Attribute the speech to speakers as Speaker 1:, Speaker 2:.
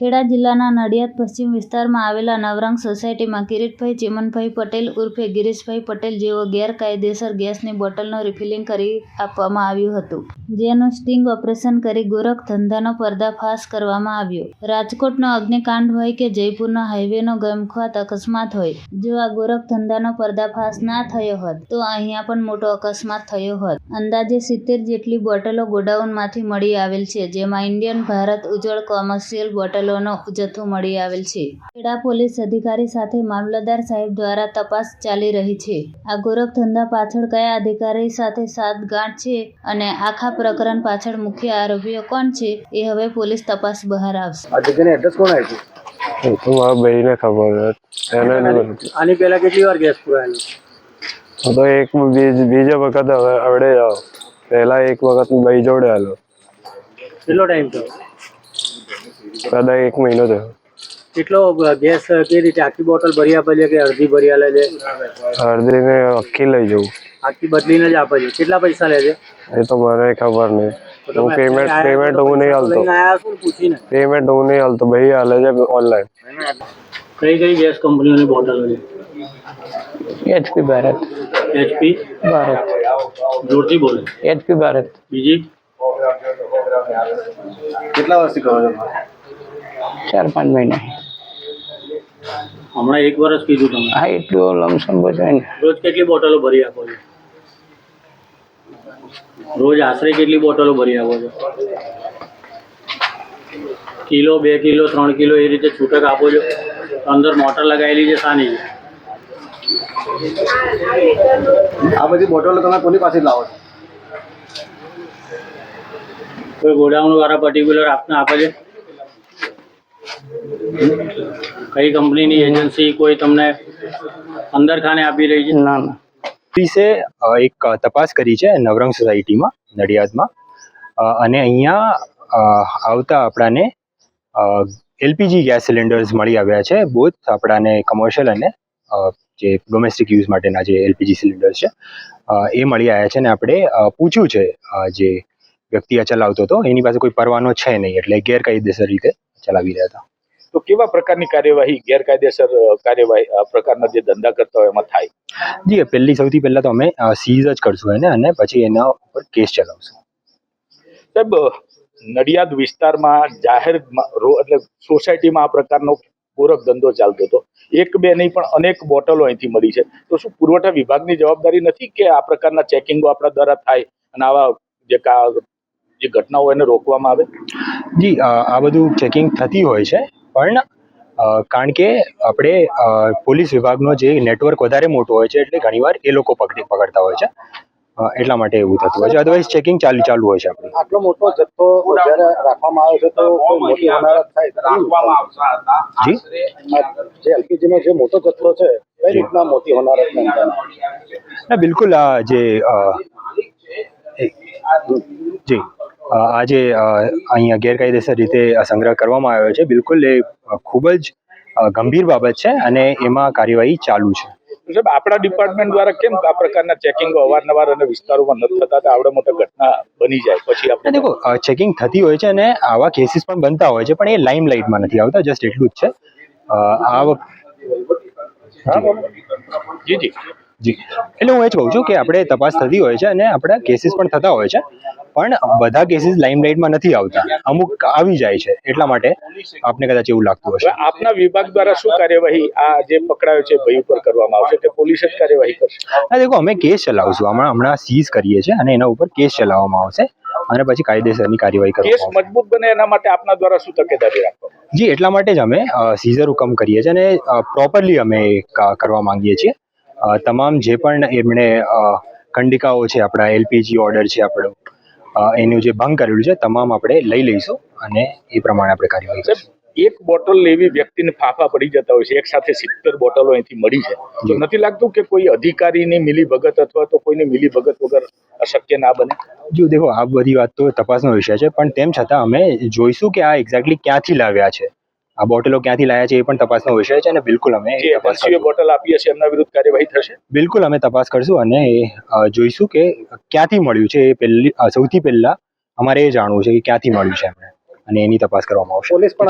Speaker 1: ખેડા જિલ્લાના નડિયાદ પશ્ચિમ વિસ્તારમાં આવેલા નવરંગ સોસાયટીમાં કિરીટભાઈ ચીમનભાઈ પટેલ ઉર્ફે ગિરીશભાઈ પટેલ જેઓ ગેરકાયદેસર ગેસની બોટલનો રિફિલિંગ કરી આપવામાં આવ્યું હતું, જેનું સ્ટિંગ ઓપરેશન કરી ગોરખ ધંધાનો પર્દાફાશ કરવામાં આવ્યો। રાજકોટનો અગ્નિકાંડ હોય કે જયપુરનો હાઈવેનો ગમખ્વાત અકસ્માત હોય, જો આ ગોરખ ધંધાનો પર્દાફાશ ના થયો હોત તો અહીંયા પણ મોટો અકસ્માત થયો હોત। અંદાજે 70 જેટલી બોટલો ગોડાઉનમાંથી મળી આવેલ છે, જેમાં ઇન્ડિયન ભારત ઉજ્જવળ કોમર્શિયલ બોટલોનો જથ્થો મળી આવેલ છે। ખેડા પોલીસ અધિકારી સાથે મામલતદાર સાહેબ દ્વારા તપાસ ચાલી રહી છે। આ ગોરખ ધંધા પાછળ કયા અધિકારી સાથે સાતગાંઠ છે અને આખા પ્રકરણ પાછળ મુખ્ય આરોપીઓ કોણ છે એ હવે પોલીસ તપાસ બહાર આવશે।
Speaker 2: આ જગ્યાનું એડ્રેસ કોણ આપ્યું?
Speaker 3: એ તો મારા ભાઈને ખબર.
Speaker 2: આની પહેલા કેટલી વાર ગેસ પુરાયેલો?
Speaker 3: તો એક બીજા વખત આવડે પહેલા એક વખત ભાઈ જોડે આલો।
Speaker 2: કેટલો ટાઈમ થયો?
Speaker 3: કદાચ 1 મહિનો થયો।
Speaker 2: કેટલો ગેસ કઈ રીતે આખી બોટલ ભરી આપે છે કે અડધી ભરી આલે છે?
Speaker 3: અડધીને આખી લઈ જવું।
Speaker 2: આખી બદલીને જ આપે છે। કેટલા પૈસા લે છે
Speaker 3: એ તો મને ખબર નહીં। હું પેમેન્ટ હું નહીં હાલતો। પેમેન્ટ હું નહીં હાલતો, ભાઈ હાલે છે ઓનલાઈન।
Speaker 2: કઈ કઈ ગેસ કંપનીઓની બોટલો છે?
Speaker 4: HP ભારત।
Speaker 2: HP
Speaker 4: ભારત।
Speaker 2: જોરથી બોલો।
Speaker 4: HP ભારત।
Speaker 2: બીજી કેટલા વર્ષથી કરો છો?
Speaker 4: 4-5 મહિના।
Speaker 2: હમણાં 1 વર્ષ કીધું તમે?
Speaker 4: હા, એટલું લમસમ બચાય ને।
Speaker 2: રોજ કેટલી બોટલો ભરી આપો છો? રોજ આશરે કેટલી બોટલો ભરી આપો છો? કિલો, 2 કિલો, 3 કિલો એ રીતે છૂટક આપો છો? અંદર મોટર લગાવેલી છે શાની છે? આ બધી બોટલો તમે કોની પાસે લાવો છો? કોઈ ગોડાઉન વાળા પર્ટિક્યુલર આપને આપે છે? કઈ કંપનીની એજન્સી કોઈ તમને અંદર ખાને આપી રહી છે?
Speaker 4: ના ના।
Speaker 5: પોલીસે એક તપાસ કરી છે નવરંગ સોસાયટીમાં નડિયાદમાં, અને અહીંયા આવતા આપણાને એલપીજી ગેસ સિલિન્ડર્સ મળી આવ્યા છે। બોથ આપણાને કમર્શિયલ અને જે ડોમેસ્ટિક યુઝ માટેના જે એલપીજી સિલિન્ડર્સ છે એ મળી આવ્યા છે। અને આપણે પૂછ્યું છે જે વ્યક્તિ આ ચલાવતો હતો એની પાસે કોઈ પરવાનો છે નહીં, એટલે ગેરકાયદેસર રીતે ચલાવી રહ્યા હતા।
Speaker 6: તો કેવા પ્રકારની કાર્યવાહી ગેરકાયદેસર કાર્યવાહી આ પ્રકારના જે ધંધા કરતા હોય એમાં થાય?
Speaker 5: જી, સૌથી પહેલા તો અમે સીઝ જ કરશું એને, અને પછી એના ઉપર કેસ ચલાવશું।
Speaker 6: સાહેબ, નડિયાદ વિસ્તારમાં જાહેર એટલે સોસાયટીમાં આ પ્રકારનો ગોરખ ધંધો ચાલતો હતો, 1-2 નહીં પણ અનેક બોટલો અહીંથી મળી છે, તો શું પુરવઠા વિભાગની જવાબદારી નથી કે આ પ્રકારના ચેકિંગો આપણા દ્વારા થાય અને આવા જે ઘટનાઓ એને રોકવામાં આવે?
Speaker 5: જી, આ બધું ચેકિંગ થતી હોય છે, પણ કારણ કે આપણે પોલીસ વિભાગનો જે નેટવર્ક વધારે મોટો હોય છે એટલે ઘણીવાર એ લોકો પકડતા હોય છે, એટલા માટે એવું થતું હોય છે। અદરવાઇઝ ચેકિંગ ચાલુ હોય છે આપણે।
Speaker 2: આટલો મોટો જથ્થો જ્યારે રાખવામાં આવે છે તો કોઈ મોટી હોનારત થાય?
Speaker 5: જી,
Speaker 2: જે એલપીજી નો જે મોટો જથ્થો છે કઈ રીતના મોટી હોનારત
Speaker 5: ના બિલકુલ, જી આ જે અહીંયા ગેરકાયદેસર રીતે સંગ્રહ કરવામાં આવ્યો છે, બિલકુલ એ ખૂબ જ ગંભીર બાબત છે અને એમાં કાર્યવાહી ચાલુ છે।
Speaker 6: સાહેબ, આપણા ડિપાર્ટમેન્ટ દ્વારા કેમ આ પ્રકારના ચેકિંગો અવારનવાર અને વિસ્તારોમાં નથી થતા? આવડે મોટા ઘટના બની જાય પછી આપણે
Speaker 5: દેખો, ચેકિંગ થતી હોય છે અને આવા કેસીસ પણ બનતા હોય છે, પણ એ લાઇમ લાઇટમાં નથી આવતા, જસ્ટ એટલું જ છે।
Speaker 6: જી
Speaker 5: એટલે હું એ જ કહું છું કે આપણે તપાસ થતી હોય છે અને આપણા કેસીસ પણ થતા હોય છે, પણ બધા કેસીસ લાઇમલાઇટમાં નથી આવતા, અમુક આવી જાય છે, એટલા માટે આપને કદાચ એવું લાગતું હશે।
Speaker 6: આપના વિભાગ દ્વારા શું કાર્યવાહી આ જે પકડાયો છે ભાઈ ઉપર કરવામાં આવશે કે પોલીસ જ કાર્યવાહી કરશે?
Speaker 5: હા, દેખો, અમે કેસ ચલાવશું, હમણાં સીઝ કરીએ છીએ અને એના ઉપર કેસ ચલાવવામાં આવશે અને પછી કાયદેસરની કાર્યવાહી
Speaker 6: કેસ
Speaker 5: કરવામાં આવશે।
Speaker 6: મજબૂત બને એના માટે આપના દ્વારા શું તકેદારી રાખવામાં?
Speaker 5: જી, એટલા માટે જ અમે સીઝર હુકમ કરીએ છીએ અને પ્રોપરલી અમે કરવા માંગીએ છીએ। તમામ જે પણ એમણે ખંડિકાઓ છે, આપણા એલપીજી ઓર્ડર છે આપણો, એનું જે ભંગ કરેલું છે તમામ આપણે લઈ લઈશું અને એ પ્રમાણે આપણે કાર્યવાહી કરીશું।
Speaker 6: એક બોટલ લેવી વ્યક્તિને ફાફા પડી જતા હોય છે, એક સાથે 70 બોટલો અહીંથી મળી છે, તો નથી લાગતું કે કોઈ અધિકારીની મિલીભગત અથવા તો કોઈની મિલીભગત વગર અશક્ય ના બને?
Speaker 5: જો દેખો, આ બધી વાત તો તપાસનો વિષય છે, પણ તેમ છતાં અમે જોઈશું કે આ એક્ઝેક્ટલી ક્યાંથી લાવ્યા છે, આ બોટલો ક્યાંથી લાવ્યા છે એ પણ તપાસનો વિષય છે અને બિલકુલ અમે
Speaker 6: બોટલ આપી હશે એમના વિરુદ્ધ કાર્યવાહી થશે?
Speaker 5: બિલકુલ અમે તપાસ કરશું અને જોઈશું કે ક્યાંથી મળ્યું છે। એ સૌથી પહેલા અમારે એ જાણવું છે કે ક્યાંથી મળ્યું છે એમને, અને એની તપાસ કરવામાં આવશે।
Speaker 2: પોલીસ પણ